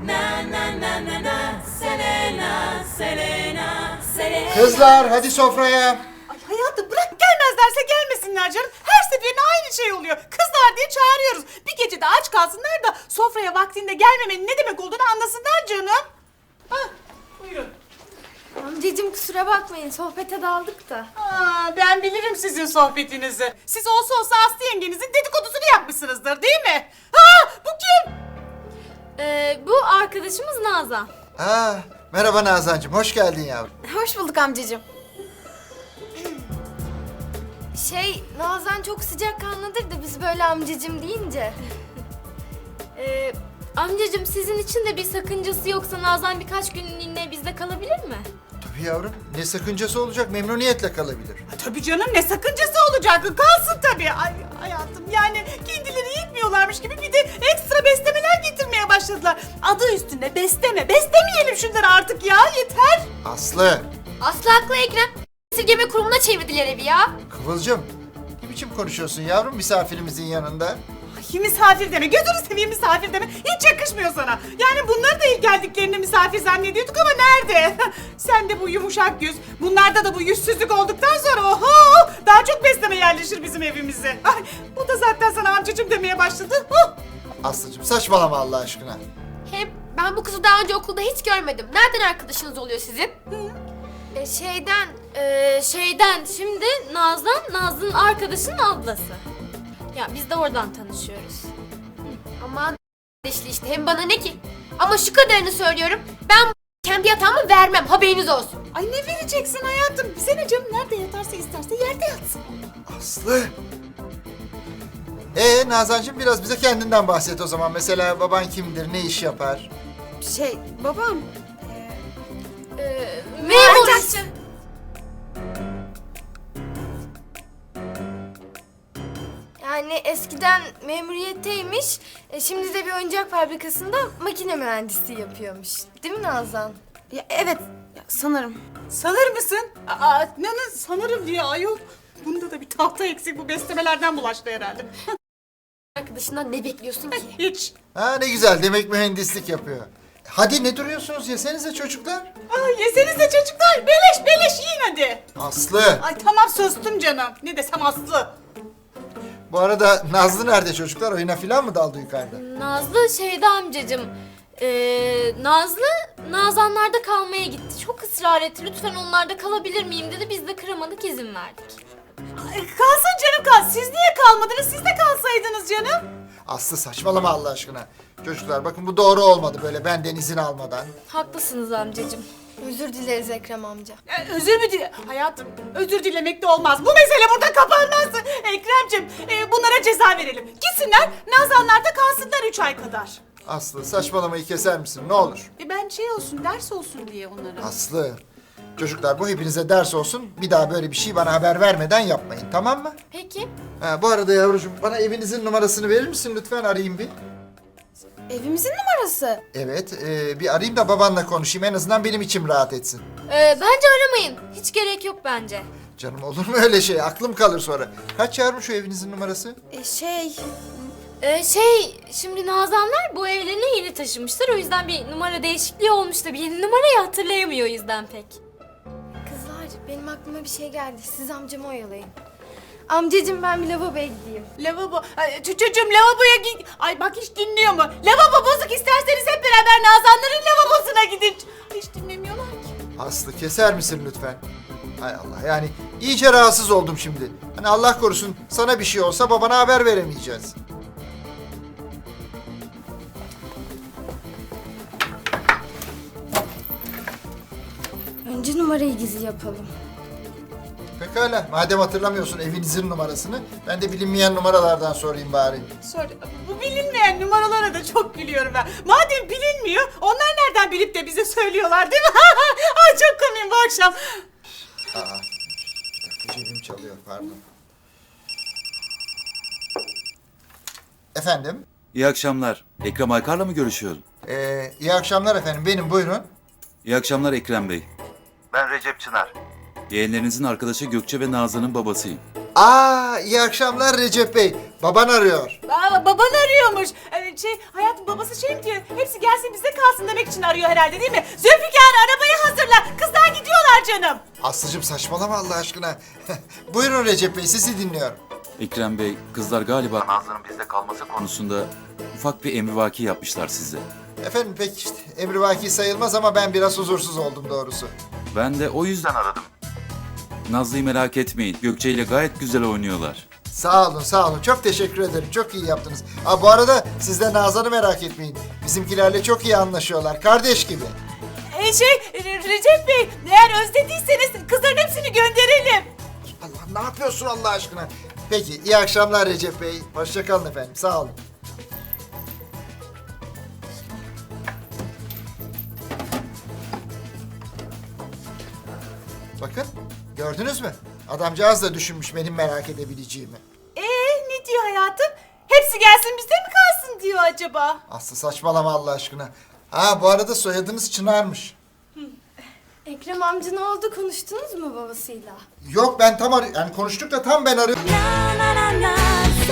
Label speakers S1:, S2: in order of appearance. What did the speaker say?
S1: Kızlar hadi sofraya.
S2: Ay hayatım bırak gelmezlerse gelmesinler canım. Her seferinde aynı şey oluyor. Kızlar diye çağırıyoruz. Bir gece de aç kalsınlar da sofraya vaktinde gelmemenin ne demek olduğunu anlasınlar canım. Hah, buyurun.
S3: Amcacığım kusura bakmayın sohbete daldık da.
S2: Ben bilirim sizin sohbetinizi. Siz olsa Aslı yengenizin dedikodusunu yapmışsınızdır değil mi? Bu kim?
S3: Bu arkadaşımız Nazan.
S1: Merhaba Nazancığım, hoş geldin yavrum.
S3: Hoş bulduk amcacığım. Nazan çok sıcakkanlıdır da biz böyle amcacığım deyince. Amcacığım sizin için de bir sakıncası yoksa Nazan birkaç günlüğüne bizde kalabilir mi?
S1: Tabii yavrum, ne sakıncası olacak, memnuniyetle kalabilir.
S2: Tabii canım ne sakıncası olacak? Kalsın tabii. Ay hayatım yani kendileri yetmiyorlarmış gibi bir de ekstra beslemeler getirmeye başladılar. Adı üstünde besleme. Beslemeyelim şunları artık ya yeter.
S1: Aslı,
S3: Aslı haklı Ekrem. Esirgeme kurumuna çevirdiler evi ya.
S1: Kıvılcım, ne biçim konuşuyorsun yavrum misafirimizin yanında?
S2: Ay misafir deme. Gözünü seveyim misafir deme. Hiç yakışmıyor sana. Yani bunları da ilk geldiklerinde misafir zannediyorduk ama nerede? Sen de bu yumuşak yüz, bunlarda da bu yüzsüzlük olduktan sonra oho daha çok besleme yerleşir bizim evimize. Ay, bu da zaten sana amcacığım demeye başladı.
S1: Aslıcığım saçmalama Allah aşkına.
S3: Hem ben bu kızı daha önce okulda hiç görmedim. Nereden arkadaşınız oluyor sizin? Şeyden şimdi Nazlı'nın arkadaşının ablası. Ya biz de oradan tanışıyoruz. Aman işte hem bana ne ki? Ama şu kadarını söylüyorum. Ben kendi yatağımı vermem haberiniz olsun.
S2: Ay ne vereceksin hayatım? Bize ne canım nerede yatarsa isterse yerde yatsın.
S1: Aslı. Nazancığım biraz bize kendinden bahset o zaman. Mesela baban kimdir, ne iş yapar?
S2: Babam.
S3: Memur. Yani eskiden memuriyetteymiş, şimdi de bir oyuncak fabrikasında makine mühendisliği yapıyormuş. Değil mi Nazan?
S4: Evet, sanırım.
S2: Sanır mısın? Sanırım diye ayol. Bunda da bir tahta eksik bu beslemelerden bulaştı herhalde.
S3: Arkadaşından ne bekliyorsun ki?
S2: Hiç.
S1: Ne güzel, demek mühendislik yapıyor. Hadi ne duruyorsunuz, yesenize çocuklar.
S2: Yesenize çocuklar. Beleş yiyin hadi.
S1: Aslı,
S2: Ay tamam sustum canım. Ne desem Aslı.
S1: bu arada Nazlı nerede çocuklar? Oyuna falan mı daldı yukarıda?
S3: Nazlı şeyde amcacığım. Nazlı Nazanlarda kalmaya gitti. Çok ısrar etti. Lütfen onlarda kalabilir miyim dedi. Biz de kıramadık izin verdik.
S2: Kalsın canım kalsın. Siz niye kalmadınız? Siz de kalsaydınız canım.
S1: Aslı saçmalama Allah aşkına. Çocuklar bakın bu doğru olmadı böyle benden izin almadan.
S3: Haklısınız amcacığım. Özür dileriz Ekrem amca.
S2: Özür mü dile? Hayatım özür dilemek de olmaz. Bu mesele burada kapanmaz. Ekrem'cim bunlara ceza verelim. Gitsinler Nazanlar'da kalsınlar 3 ay kadar.
S1: Aslı saçmalamayı keser misin ne olur?
S2: Ben olsun ders olsun diye onlara.
S1: Aslı. Çocuklar bu hepinize ders olsun. Bir daha böyle bir şey bana haber vermeden yapmayın tamam mı?
S3: Peki.
S1: Bu arada yavrucuğum bana evinizin numarasını verir misin lütfen arayayım bir.
S4: Evimizin numarası.
S1: Evet bir arayayım da babanla konuşayım en azından benim içim rahat etsin.
S3: Bence aramayın. Hiç gerek yok bence.
S1: Canım olur mu öyle şey aklım kalır sonra. Kaç yavrum şu evinizin numarası?
S3: Şimdi Nazanlar bu evlerine yeni taşınmışlar. O yüzden bir numara değişikliği olmuş da bir yeni numarayı hatırlayamıyor o yüzden pek. Kızlar benim aklıma bir şey geldi. Siz amcamı oyalayın. Amcacığım ben bir lavaboya gideyim.
S2: Lavabo. Çocuğum lavaboya git. Ay bak hiç dinliyor mu? Lavabo bozuk isterseniz hep beraber Nazanların lavabosuna gidin. Hiç dinlemiyorlar ki.
S1: Aslı keser misin lütfen? Hay Allah yani iyice rahatsız oldum şimdi. Hani Allah korusun sana bir şey olsa babana haber veremeyeceğiz.
S3: Önce numarayı gizli yapalım.
S1: Pekala madem hatırlamıyorsun evinizin numarasını ben de bilinmeyen numaralardan sorayım bari.
S2: Bu bilinmeyen numaralara da çok gülüyorum ben. Madem bilinmiyor onlar nereden bilip de bize söylüyorlar değil mi? Ay çok komiyim bu akşam.
S1: Cebim çalıyor pardon. Efendim?
S5: İyi akşamlar. Ekrem Aykar'la mı görüşüyorum?
S1: İyi akşamlar efendim benim buyurun.
S5: İyi akşamlar Ekrem Bey.
S6: Ben Recep Çınar.
S5: Yeğenlerinizin arkadaşı Gökçe ve Nazan'ın babasıyım.
S1: İyi akşamlar Recep Bey. Baban arıyor.
S2: Baban arıyormuş. Hayatım babası şey mi diyor? Hepsi gelsin bizde kalsın demek için arıyor herhalde değil mi? Zülfikar arabayı hazırla. Kızlar gidiyorlar canım.
S1: Aslıcığım saçmalama Allah aşkına. Buyurun Recep Bey, sizi dinliyorum.
S5: Ekrem Bey, kızlar galiba Nazlı'nın bizde kalması konusunda ufak bir emrivaki yapmışlar size.
S1: Efendim pek işte emrivaki sayılmaz ama ben biraz huzursuz oldum doğrusu.
S5: Ben de o yüzden aradım. Nazlı'yı merak etmeyin. Gökçe ile gayet güzel oynuyorlar.
S1: Sağ olun, sağ olun. Çok teşekkür ederim. Çok iyi yaptınız. Bu arada siz de Nazan'ı merak etmeyin. Bizimkilerle çok iyi anlaşıyorlar. Kardeş gibi.
S2: Recep Bey eğer özlediyseniz kızların hepsini gönderelim.
S1: Allah, ne yapıyorsun Allah aşkına? Peki, iyi akşamlar Recep Bey. Hoşça kalın efendim. Sağ olun. Bakın, gördünüz mü? Adamcağız da düşünmüş benim merak edebileceğimi.
S2: Ne diyor hayatım? Hepsi gelsin bizde mi kalsın diyor acaba?
S1: Aslı saçmalama Allah aşkına. Bu arada soyadınız Çınar'mış.
S3: Ekrem amca ne oldu, konuştunuz mu babasıyla?
S1: Yok ben tam yani konuştuk da tam ben arıyorum.
S6: na na na na